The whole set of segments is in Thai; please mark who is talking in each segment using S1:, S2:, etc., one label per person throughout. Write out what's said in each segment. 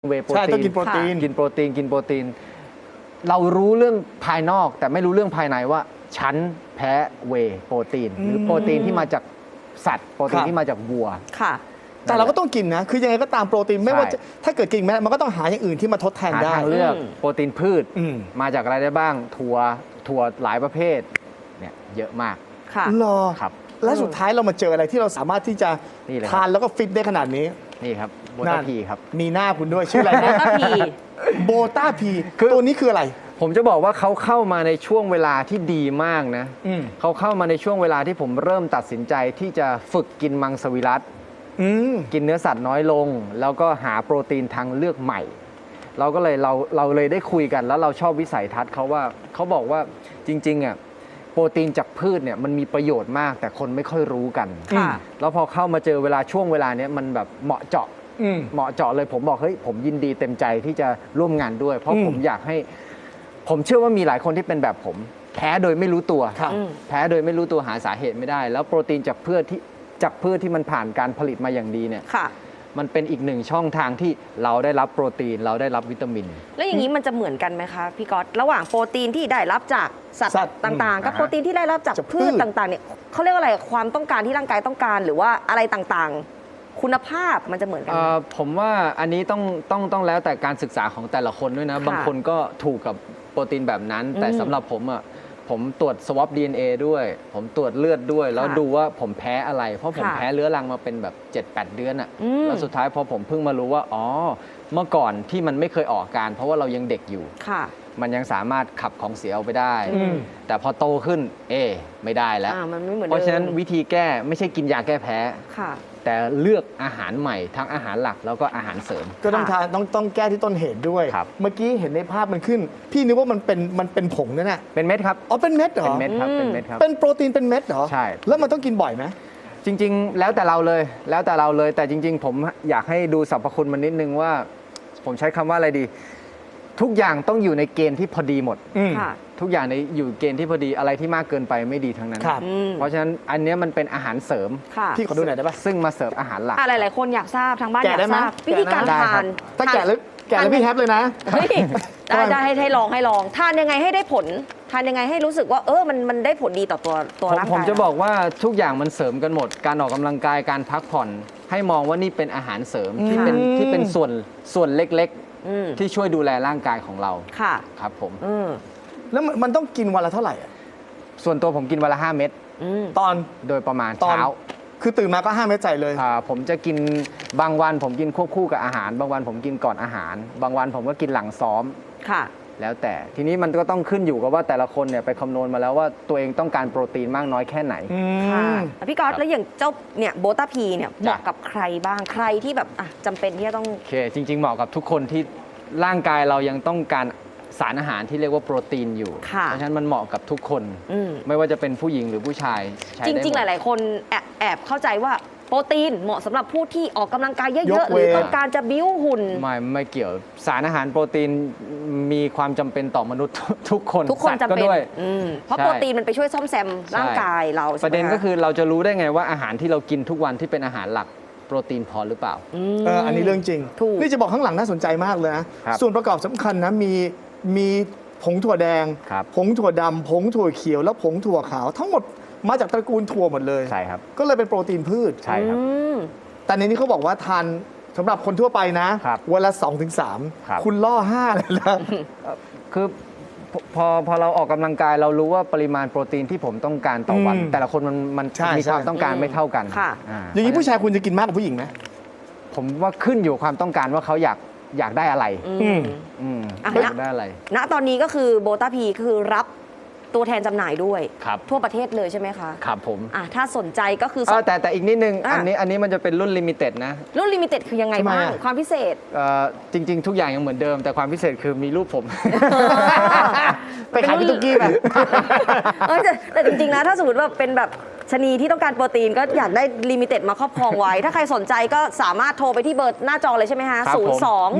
S1: เวย์โปรตีน
S2: ใช่ต้องกินโปรตีน
S1: กินโปรตีนเรารู้เรื่องภายนอกแต่ไม่รู้เรื่องภายในว่าฉันแพ้เวย์โปรตีนหรือโปรตีนที่มาจากสัตว์โปรตีนที่มาจากวัว
S3: ค่ะ
S2: แต่เราก็ต้องกินนะคือยังไงก็ตามโปรตีนไม่ว่า
S1: ใช่
S2: ถ้าเกิดกินไม่ได้มันก็ต้องหาอย่างอื่นที่มาทดแทน
S1: หา
S2: ได้
S1: ทางเลือกโปรตีนพืช มาจากอะไรได้บ้างถั่วหลายประเภทเนี่ยเยอะมาก
S3: ค่ะ
S2: รอ
S1: ครับ
S2: และสุดท้ายเรามาเจออะไรที่เราสามารถที่จะ
S1: นี่เลยครับ
S2: ทานแล้วก็ฟิตได้ขนาดนี้
S1: นี่ครับโบ
S2: นั่
S1: ตาน พีครับ
S2: มีหน้าคุณด้วยชื่ออะไรนะ
S3: ก็พี
S2: โบต้าพี
S1: คือ
S2: ตัวนี้คืออะไร
S1: ผมจะบอกว่าเขาเข้ามาในช่วงเวลาที่ดีมากนะ เขาเข้ามาในช่วงเวลาที่ผมเริ่มตัดสินใจที่จะฝึกกินมังสวิรัติ กินเนื้อสัตว์น้อยลง แล้วก็หาโปรตีนทางเลือกใหม่ เราก็เลยเราเลยได้คุยกันแล้วเราชอบวิสัยทัศน์เขาว่าเขาบอกว่าจริงๆอ่ะโปรตีนจากพืชเนี่ยมันมีประโยชน์มาก แต่คนไม่ค่อยรู้กัน
S3: ค่ะ
S1: แล้วพอเข้ามาเจอช่วงเวลาเนี้ยมันแบบเหมาะเจาะเลยผมบอกเฮ้ยผมยินดีเต็มใจที่จะร่วมงานด้วย เพราะผมอยากให้ผมเชื่อว่ามีหลายคนที่เป็นแบบผมแพ้โดยไม่รู้ตัว แพ้โดยไม่รู้ตัวหาสาเหตุไม่ได้ แล้วโปรตีนจากพืชที่มันผ่านการผลิตมาอย่างดีเนี่ย
S3: ค่ะ
S1: มันเป็นอีกหนึ่งช่องทางที่เราได้รับโปรตีนเราได้รับวิตามิน
S3: แล้วอย่างนี้มันจะเหมือนกันไหมคะพี่ก๊อตระหว่างโปรตีนที่ได้รับจากสัต
S2: สัต
S3: ว์
S2: ว์
S3: ต่างๆ กับโปรตีนที่ได้รับจาก
S2: จากพื
S3: พื
S2: ช
S3: ชต่างๆเนี่ยเขาเรียกว่าอะไรความต้องการที่ร่างกายต้องการหรือว่าอะไรต่างๆ คุณภาพมันจะเหมือนกันไหม
S1: ผมว่าอันนี้ต้องแล้วแต่การศึกษาของแต่ละคนด้วยนะ
S3: ค่ะ
S1: บางคนก็ถูกกับโปรตีนแบบนั้น แต่สำหรับผมอ่ะผมตรวจ swab DNA ด้วย ผมตรวจเลือดด้วย แล้วดูว่าผมแพ้อะไร เพราะผม
S3: ค่ะ
S1: แพ้เรื้อรังมาเป็นแบบ 7-8 เดือนอ่ะ
S3: อืม
S1: แล้วสุดท้ายพอผมเพิ่งมารู้ว่าอ๋อเมื่อก่อนที่มันไม่เคยออกอาการ เพราะว่าเรายังเด็กอยู่
S3: ค่ะ
S1: มันยังสามารถขับของเสียออกไปได้
S2: อืม
S1: แต่พอโตขึ้นไม่ได้แล้ว
S3: มันไม่เหมือน
S1: เพราะฉะนั้น
S3: ดิม
S1: วิธีแก้ไม่ใช่กินยาแก้แพ้
S3: ค่ะ
S1: แต่เลือกอาหารใหม่ทั้งอาหารหลักแล้วก็อาหารเสริม
S2: ก็ต้องทานต้องแก้ที่ต้นเหตุด้วย
S1: ครับ
S2: เมื่อกี้เห็นในภาพมันขึ้น พี่นึกว่ามันเป็นผงนั่นน่ะ
S1: เป็นเม็ดครับ
S2: อ๋อเป็นเม็ดเหรอ
S1: เป็นเม็ดครับเป็นเม็ดครับ
S2: เป็นโปรตีนเป็นเม็ดเหรอ
S1: ใช่
S2: แล้วมันต้องกินบ่อยไหม
S1: จริงๆ แล้วแต่เราเลยแต่จริง ๆ ผมอยากให้ดูสรรพคุณมันนิดนึงว่า ผมใช้คำว่าอะไรดี ทุกอย่างต้องอยู่ในเกณฑ์ที่พอดีหมด
S3: ค่ะ
S1: ทุกอย่างในอยู่เกณฑ์ที่พอดีอะไรที่มากเกินไปไม่ดีทั้งนั้น
S2: ครับ
S1: เพราะฉะนั้นอันเนี้ยมันเป็นอาหารเสริม
S3: ค่ะ
S2: พี่ขอดูหน่อยได้ปะ
S1: ซึ่งมาเสริมอาหารหลัก
S3: หลายๆคนอยากทราบทางบ้านอ
S2: แกะ
S3: ยาก
S2: ได้ไหม
S3: ทราบวิธีการ
S1: แกะได้
S3: ทา
S1: ครั
S3: น
S1: บ
S2: ถ้าแกะแล้วพี่แฮปเลยนะ
S3: เฮ้ยได้ให้ลองทานยังไงให้ได้ผล ทานยังไงให้รู้สึกว่ามันได้ผลดีต่อตัวร่างกาย
S1: ผมจะบอกว่าทุกอย่างมันเสริมกันหมด การออกกำลังกายการพักผ่อน ให้มองว่านี่เป็นอาหารเสริมที่เป็นส่วนเล็กๆ ที่ช่วยดูแลร่างกายของเรา
S3: ค่ะ
S1: ครับผม
S2: แล้วมันต้องกินวันละเท่าไหร่อะ
S1: ส่วนตัวผมกินวันละ 5 เม็ด
S2: ตอน
S1: โดยประมาณ
S2: ตอน
S1: เช้า
S2: คือตื่นมาก็5 เม็ดใส่เลย
S1: ผมจะกินบางวันผมกินควบคู่กับอาหาร บางวันผมกินก่อนอาหาร บางวันผมก็กินหลังซ้อม
S3: ค่ะ
S1: แล้วแต่ทีนี้มันก็ต้องขึ้นอยู่กับว่าแต่ละคนเนี่ยไปคำนวณมาแล้วว่าตัวเองต้องการโปรตีนมากน้อยแค่ไหน
S3: ค่ะพี่ก๊อต
S1: ครับ
S3: แล้วอย่างเจ้าเนี่ยโบต้าพีเนี่ยเหมาะกับใครบ้างใครที่แบบจำเป็นที่จะต้อง
S1: โอเคจริง ๆ เหมาะกับทุกคนที่ร่างกายเรายังต้องการสารอาหารที่เรียกว่าโปรตีนอยู่
S3: ค่ะ
S1: เพราะฉะนั้นมันเหมาะกับทุกคน
S3: อืม
S1: ไม่ว่าจะเป็นผู้หญิงหรือผู้ชายใช้
S3: จ
S1: ได้
S3: ริง ๆ ห
S1: มด
S3: ลาย ๆ คนแอบเข้าใจว่าโปรตีนเหมาะสำหรับผู้ที่ออกกำลังกายเย
S2: ย
S3: อะ
S2: ก
S3: ๆ ห
S2: เว้
S3: รื
S2: น
S3: อต้องการจะบิ้วหุ่น
S1: ไม่เกี่ยวสารอาหารโปรตีนมีความจำเป็นต่อมนุษย์ ทุกคน
S3: ทุกคน
S1: สัตว์
S3: จำเป็น
S1: ด้วย
S3: เพราะ
S1: ใช่
S3: โปรตีนมันไปช่วยซ่อมแซมร่างกายเราใช่ไหม
S1: ประเด็นก็คือเราจะรู้ได้ไงว่าอาหารที่เรากินทุกวันที่เป็นอาหารหลักโปรตีนพอหรือเปล่า
S2: อันนี้เรื่องจริง
S3: ถูก
S2: นี่จะบอกข้างหลังน่าสนใจมากเลยนะ
S1: ครับ
S2: ส่วนประกอบสำคัญนะมีผงถั่วแดง
S1: ครับ
S2: ผงถั่วดำผงถั่วเขียว แล้วผงถั่วขาว ทั้งหมดมาจากตระกูลถั่วหมดเลย
S1: ใช่ครับ
S2: ก็เลยเป็นโปรตีนพืช
S1: ใช่ครับ
S2: แต่ในนี้เขาบอกว่าทานสำหรับคนทั่วไปนะครับ วันละ
S1: ครับ
S2: 2-3 คุณล่อ 5 เลยนะ
S1: คือพอเราออกกำลังกายเรารู้ว่าปริมาณโปรตีนที่ผมต้องการต่อวัน แต่ละคนมัน
S2: ใช่
S1: มีความ
S2: ใช่
S1: ต้องการไม่เท่ากัน
S3: ค่ะ
S2: อย่างนี้ผู้ชายคุณจะกินมากกว่าผู้หญิงไหม
S1: ผมว่าขึ้นอยู่ความต้องการว่าเขาอยากได้อะไร
S2: อืม
S1: อยากได้อะไร
S3: ณตอนนี้ก็คือโบต้าพีคือรับตัวแทนจำหน่ายด้วย
S1: ครับ
S3: ทั่วประเทศเลยใช่ไหมคะ
S1: ครับผม
S3: ถ้าสนใจก็คือ
S1: แต่อีกนิดนึง
S3: อ่ะ
S1: อันนี้มันจะเป็นรุ่นลิมิเต็ดนะ
S3: รุ่นลิมิเต็ดคือยังไง
S2: ทำไม
S3: บ้าง
S2: อ่ะ
S3: ความพิเศษ
S1: จริง ๆ ทุกอย่างยังเหมือนเดิม แต่ความพิเศษคือมีรูปผม
S2: ไปขายพี่ตุ๊กกี้ไป
S3: แต่จริงๆนะถ้าสมมติว่าเป็นแบบชะนีที่ต้องการโปรตีนก็อยากได้ลิมิเต็ดมาครอบครองไว้ ถ้าใครสนใจก็สามารถโทรไปที่เบอร์หน้าจอเลยใช่ไหมคะ
S1: ครับผม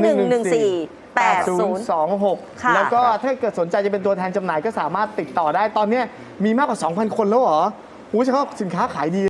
S3: 02-114-80 ค่ะ
S2: แล้วก็ถ้าเกิดสนใจจะเป็นตัวแทนจำหน่ายก็สามารถติดต่อได้ตอนนี้มีมากกว่า 2,000 คนแล้วเหรอหูเฉพาะสินค้าขายดี